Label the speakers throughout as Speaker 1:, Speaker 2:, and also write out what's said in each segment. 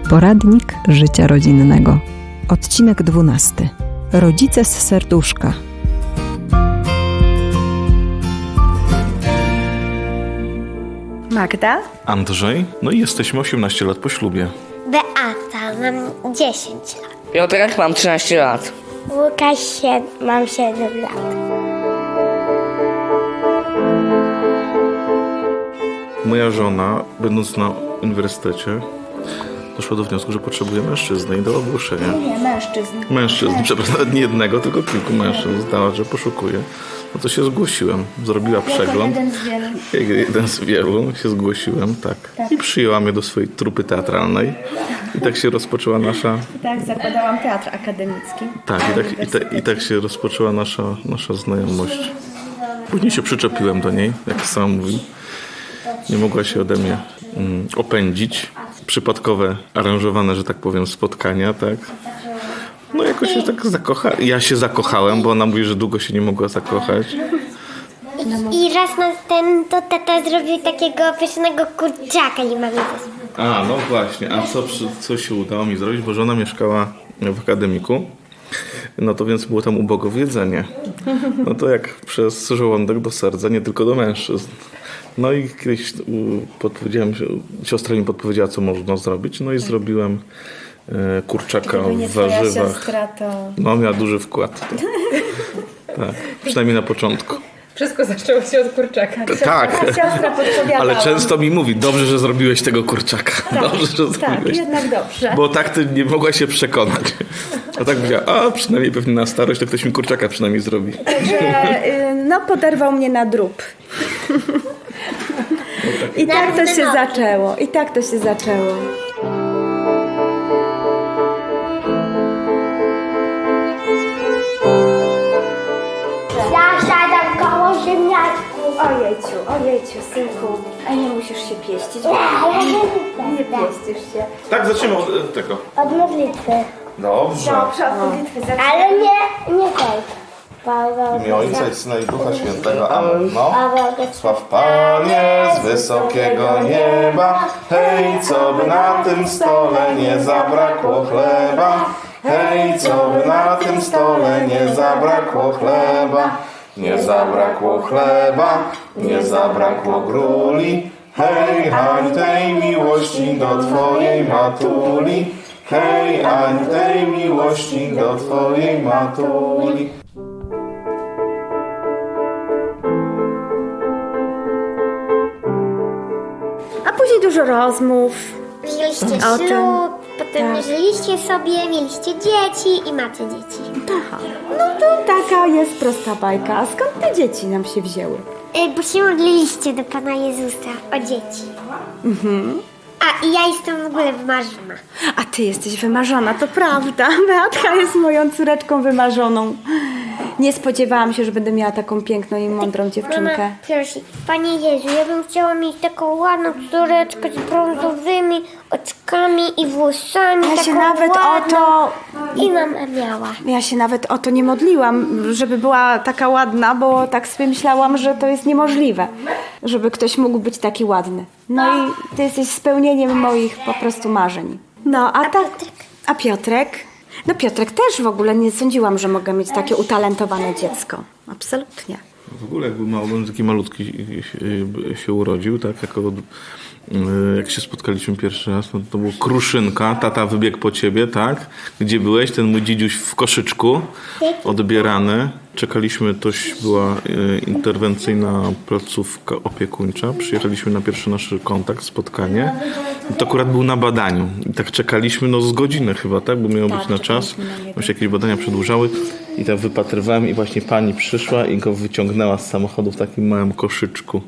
Speaker 1: Poradnik życia rodzinnego. Odcinek 12. Rodzice z serduszka.
Speaker 2: Magda?
Speaker 3: Andrzej, no i jesteśmy 18 lat po ślubie.
Speaker 4: Beata, mam 10 lat.
Speaker 5: Piotrek, mam 13 lat.
Speaker 4: Łukasz, mam 7 lat.
Speaker 3: Moja żona, będąc na uniwersytecie, doszła do wniosku, że potrzebuje mężczyzny i do ogłoszenia.
Speaker 2: Nie, mężczyzn.
Speaker 3: Przepraszam, nawet nie jednego, tylko kilku mężczyzn. Zdała, że poszukuje. No to się zgłosiłem. Zrobiła przegląd.
Speaker 2: Jeden z wielu.
Speaker 3: Jeden z wielu się zgłosiłem, tak. I przyjęła mnie do swojej trupy teatralnej. I tak się rozpoczęła nasza...
Speaker 2: Tak, zakładałam teatr akademicki.
Speaker 3: Tak, i tak się rozpoczęła nasza znajomość. Później się przyczepiłem do niej, jak sama mówi. Nie mogła się ode mnie opędzić. Przypadkowe, aranżowane, że tak powiem, spotkania, tak. No jakoś się tak ja się zakochałem, bo ona mówi, że długo się nie mogła zakochać.
Speaker 4: I raz na ten, to tata zrobił takiego pysznego kurczaka i mamy to.
Speaker 3: A, no właśnie. A co się udało mi zrobić? Bo żona mieszkała w akademiku. No to więc było tam ubogo w jedzenie. No to jak przez żołądek do serca, nie tylko do mężczyzn. No i kiedyś siostra mi podpowiedziała, co można zrobić. No i zrobiłem kurczaka w warzywach.
Speaker 2: Siostra, to...
Speaker 3: No miała duży wkład. Tak, przynajmniej na początku.
Speaker 6: Wszystko zaczęło się od kurczaka.
Speaker 3: Tak,
Speaker 2: Siostra podpowiadała.
Speaker 3: ale często mi mówi, dobrze, że zrobiłeś tego kurczaka. Dobrze, że
Speaker 2: Tak,
Speaker 3: zrobiłeś.
Speaker 2: jednak dobrze.
Speaker 3: Bo tak ty nie mogła się przekonać. A tak powiedziała, a przynajmniej pewnie na starość to ktoś mi kurczaka przynajmniej zrobi.
Speaker 2: No, poderwał mnie na drób. I tak to się zaczęło.
Speaker 4: Ja siadam koło ziemniaczku.
Speaker 2: Ojejciu, synku. A nie musisz się pieścić. Nie pieścisz się.
Speaker 3: Tak, zaczniemy od tego.
Speaker 4: Od modlitwy.
Speaker 3: Dobrze.
Speaker 2: Od modlitwy zaczynamy.
Speaker 4: Ale nie tej.
Speaker 3: W imię Ojca i Syna i Ducha Świętego. Amen. No. Sław Panie z wysokiego nieba. Hej, co by na tym stole nie zabrakło chleba. Hej, co by na tym stole nie zabrakło chleba. Nie zabrakło chleba, nie zabrakło gruli. Hej, Aniu, tej miłości do Twojej matuli. Hej, Aniu, tej miłości do Twojej matuli.
Speaker 2: A później dużo rozmów.
Speaker 4: Wzięliście
Speaker 2: O tym.
Speaker 4: ślub, potem
Speaker 2: Tak.
Speaker 4: żyliście sobie, mieliście dzieci i macie dzieci.
Speaker 2: Aha. No to taka jest prosta bajka. A skąd te dzieci nam się wzięły?
Speaker 4: Bo się modliliście do Pana Jezusa o dzieci. A i ja jestem w ogóle wymarzona.
Speaker 2: A ty jesteś wymarzona, to prawda. Beatka jest moją córeczką wymarzoną. Nie spodziewałam się, że będę miała taką piękną i mądrą dziewczynkę.
Speaker 4: Mama prosi, Panie Jezu, ja bym chciała mieć taką ładną córeczkę z brązowymi oczkami i włosami.
Speaker 2: Ja się
Speaker 4: taką
Speaker 2: nawet
Speaker 4: ładną.
Speaker 2: o to...
Speaker 4: I mama miała.
Speaker 2: Ja się nawet o to nie modliłam, żeby była taka ładna, bo tak sobie myślałam, że to jest niemożliwe, żeby ktoś mógł być taki ładny. No i ty jesteś spełnieniem moich po prostu marzeń. No, a tak...
Speaker 4: Piotrek?
Speaker 2: A Piotrek? No Piotrek też w ogóle nie sądziłam, że mogę mieć takie utalentowane dziecko. Absolutnie.
Speaker 3: W ogóle jak był mały, taki malutki się urodził, tak? Jak się spotkaliśmy pierwszy raz, no to był Kruszynka, tata wybiegł po ciebie, tak? Gdzie byłeś? Ten mój dzidziuś w koszyczku, odbierany. Czekaliśmy, była interwencyjna placówka opiekuńcza. Przyjechaliśmy na pierwszy nasz kontakt, spotkanie. I to akurat był na badaniu. I tak czekaliśmy, no z godziny chyba, tak? Bo miało być na czas. Bo się jakieś badania przedłużały. I tak wypatrywałem i właśnie pani przyszła i go wyciągnęła z samochodu w takim małym koszyczku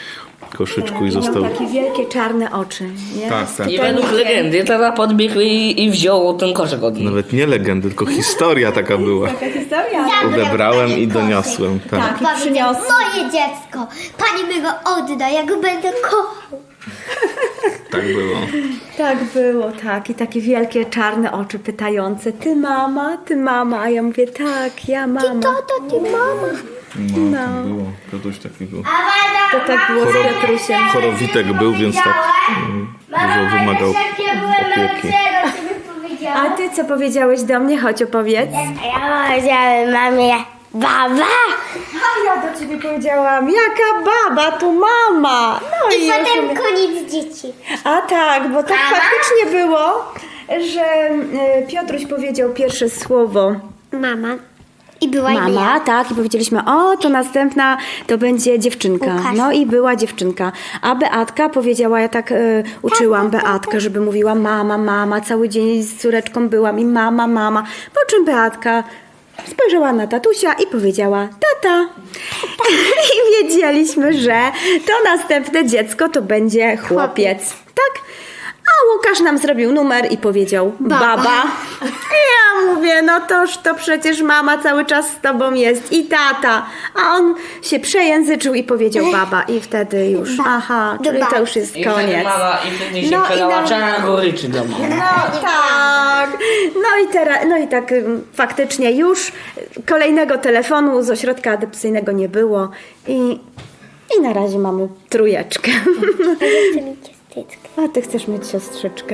Speaker 3: i został...
Speaker 2: Miał takie wielkie czarne oczy, nie?
Speaker 3: Tak.
Speaker 5: I według legendy tata podbiegł i wziął ten koszyk od niej.
Speaker 3: Nawet nie legendy, tylko historia taka była.
Speaker 2: Taka historia.
Speaker 3: Odebrałem i doniosłem. Tak.
Speaker 2: Tak, i przyniosł.
Speaker 4: Moje dziecko, Pani mi go odda, ja go będę kochał.
Speaker 3: Tak było.
Speaker 2: Tak było, tak. I takie wielkie czarne oczy pytające. Ty mama. A ja mówię, tak, ja mama.
Speaker 4: Ty mama.
Speaker 3: No, to było. To coś takiego.
Speaker 2: To tak było z Piotrusiem.
Speaker 3: Chorowitek był, więc tak. dużo wymagał opieki.
Speaker 2: A ty co powiedziałeś do mnie? Chodź, opowiedz.
Speaker 4: Ja powiedziałem mamie, baba!
Speaker 2: A ja do ciebie powiedziałam, jaka baba, tu mama. No
Speaker 4: I
Speaker 2: już
Speaker 4: potem
Speaker 2: mówię-
Speaker 4: koniec dzieci.
Speaker 2: A tak, bo tak faktycznie było, że Piotruś powiedział pierwsze słowo
Speaker 4: Mama. I była
Speaker 2: mama, tak, i powiedzieliśmy, o, to następna to będzie dziewczynka.
Speaker 4: Łukasz.
Speaker 2: No i była dziewczynka. A Beatka powiedziała, ja tak uczyłam Beatkę, żeby mówiła mama, mama, cały dzień z córeczką byłam i mama, mama. Po czym Beatka spojrzała na tatusia i powiedziała tata. I wiedzieliśmy, że to następne dziecko to będzie chłopiec. Tak? A Łukasz nam zrobił numer i powiedział baba. I ja mówię, no toż to przecież mama cały czas z tobą jest i tata. A on się przejęzyczył i powiedział baba. I wtedy już, aha, czyli to już jest
Speaker 5: I wtedy
Speaker 2: koniec.
Speaker 5: mama i wtedy się
Speaker 2: No i
Speaker 5: przelała
Speaker 2: na-
Speaker 5: czarna goryczy do mnie.
Speaker 2: No tak. No i tak faktycznie już kolejnego telefonu z ośrodka adopcyjnego nie było i na razie mamy trójeczkę.
Speaker 4: Chcę mieć ciasteczkę.
Speaker 2: A ty chcesz mieć siostrzyczkę.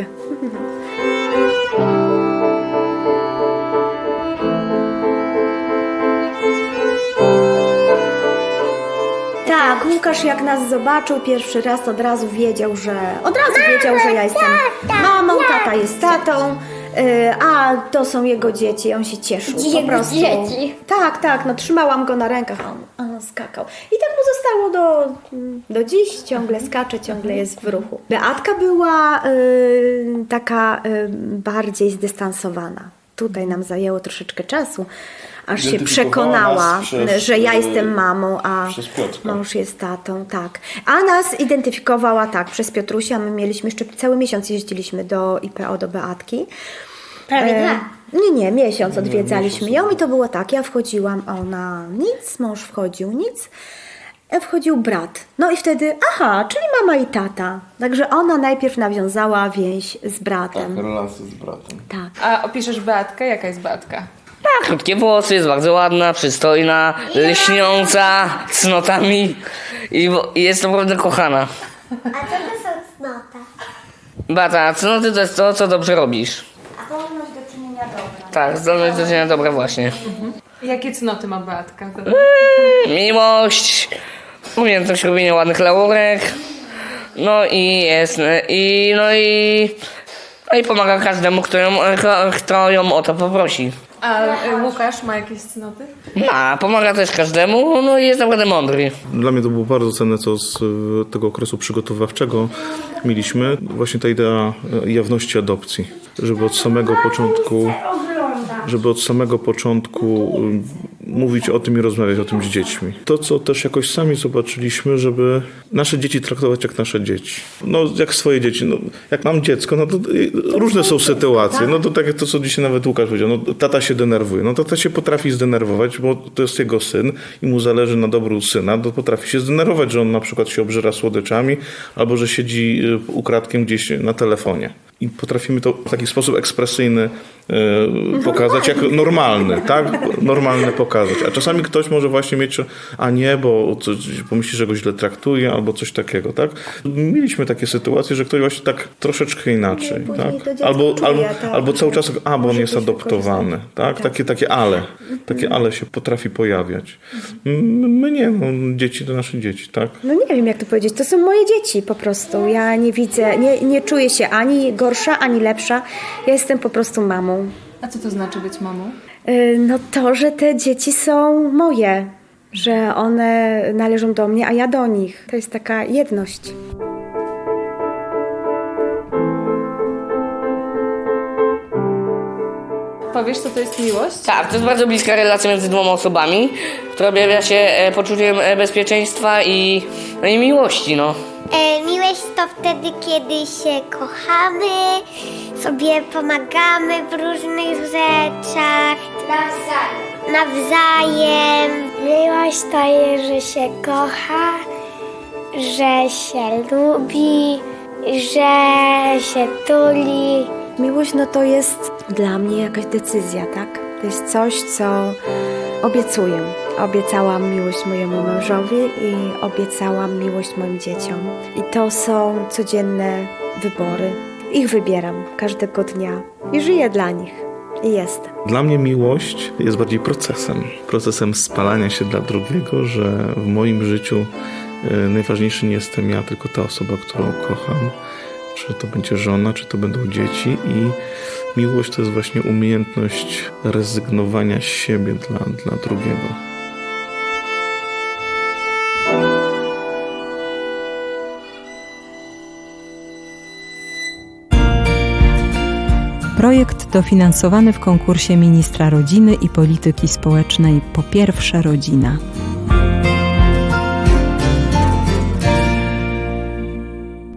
Speaker 2: Tak, Łukasz jak nas zobaczył pierwszy raz, od razu wiedział, że ja jestem mamą, tata jest tatą, a to są jego dzieci. On się cieszył po
Speaker 4: Jego
Speaker 2: prostu.
Speaker 4: dzieci.
Speaker 2: Tak, no trzymałam go na rękach, a on skakał. I tak mu zostało do dziś, ciągle skacze, ciągle jest w ruchu. Beatka była taka bardziej zdystansowana. Tutaj nam zajęło troszeczkę czasu, aż się
Speaker 3: Identyfikowała
Speaker 2: przekonała,
Speaker 3: nas przez,
Speaker 2: że ja jestem mamą, a
Speaker 3: przez Piotrka.
Speaker 2: mąż jest tatą, tak. A nas identyfikowała tak, przez Piotrusia. My mieliśmy jeszcze cały miesiąc jeździliśmy do IPO, do Beatki.
Speaker 4: Prawie dwa.
Speaker 2: Nie, miesiąc odwiedzaliśmy ją i to było tak, ja wchodziłam, ona nic, mąż wchodził, nic. Wchodził brat. No i wtedy, aha, czyli mama i tata. Także ona najpierw nawiązała więź z bratem.
Speaker 3: Relacje z bratem.
Speaker 2: Tak.
Speaker 6: A opiszesz Beatkę? Jaka jest Beatka?
Speaker 5: Ma krótkie włosy, jest bardzo ładna, przystojna, lśniąca, cnotami i jest naprawdę kochana.
Speaker 4: A co to są cnota?
Speaker 5: Bata, cnoty to jest to, co dobrze robisz.
Speaker 2: Zdolność do czynienia dobra.
Speaker 5: Tak, zdolność do czynienia dobra właśnie.
Speaker 6: Jakie cnoty ma Beatka?
Speaker 5: Miłość, umiejętność robienia ładnych laurek, no i pomaga każdemu, kto ją o to poprosi.
Speaker 6: A Łukasz ma jakieś cnoty?
Speaker 5: Pomaga też każdemu, no i jest naprawdę mądry.
Speaker 3: Dla mnie to było bardzo cenne, co z tego okresu przygotowawczego mieliśmy. Właśnie ta idea jawności adopcji. Żeby od samego początku mówić o tym i rozmawiać o tym z dziećmi. To, co też jakoś sami zobaczyliśmy, żeby nasze dzieci traktować jak nasze dzieci. No, jak swoje dzieci. No, jak mam dziecko, no to różne są sytuacje. No to tak jak to, co dzisiaj nawet Łukasz powiedział. No, tata się denerwuje. No tata się potrafi zdenerwować, bo to jest jego syn i mu zależy na dobru syna. To potrafi się zdenerwować, że on na przykład się obżera słodyczami albo że siedzi ukradkiem gdzieś na telefonie. I potrafimy to w taki sposób ekspresyjny pokazać, jak normalny, tak? Normalny pokazać. A czasami ktoś może właśnie mieć, a nie, bo pomyśli, że go źle traktuje, albo coś takiego, tak? Mieliśmy takie sytuacje, że ktoś właśnie tak troszeczkę inaczej,
Speaker 2: później to
Speaker 3: tak?
Speaker 2: dziecko czuje, tak.
Speaker 3: Albo cały czas, bo on
Speaker 2: Może
Speaker 3: jest
Speaker 2: być
Speaker 3: adoptowany, tak? Takie ale się potrafi pojawiać. My nie, no, dzieci to nasze dzieci, tak?
Speaker 2: No nie wiem, jak to powiedzieć. To są moje dzieci po prostu. Ja nie widzę, nie czuję się ani gorsza, ani lepsza. Ja jestem po prostu mamą.
Speaker 6: A co to znaczy być mamą?
Speaker 2: No to, że te dzieci są moje. Że one należą do mnie, a ja do nich. To jest taka jedność.
Speaker 6: Powiesz, co to jest miłość?
Speaker 5: Tak, to jest bardzo bliska relacja między dwoma osobami, która objawia się poczuciem bezpieczeństwa i miłości, no.
Speaker 4: Miłość to wtedy, kiedy się kochamy, sobie pomagamy w różnych rzeczach. Nawzajem. Miłość to jest, że się kocha, że się lubi, że się tuli.
Speaker 2: Miłość, no to jest dla mnie jakaś decyzja, tak? To jest coś, co obiecuję. Obiecałam miłość mojemu mężowi i obiecałam miłość moim dzieciom. I to są codzienne wybory. Ich wybieram każdego dnia i żyję dla nich. I jestem.
Speaker 3: Dla mnie miłość jest bardziej procesem spalania się dla drugiego, że w moim życiu najważniejszy nie jestem ja, tylko ta osoba, którą kocham. Czy to będzie żona, czy to będą dzieci. I miłość to jest właśnie umiejętność rezygnowania z siebie dla drugiego.
Speaker 1: Projekt dofinansowany w konkursie Ministra Rodziny i Polityki Społecznej Po pierwsze rodzina.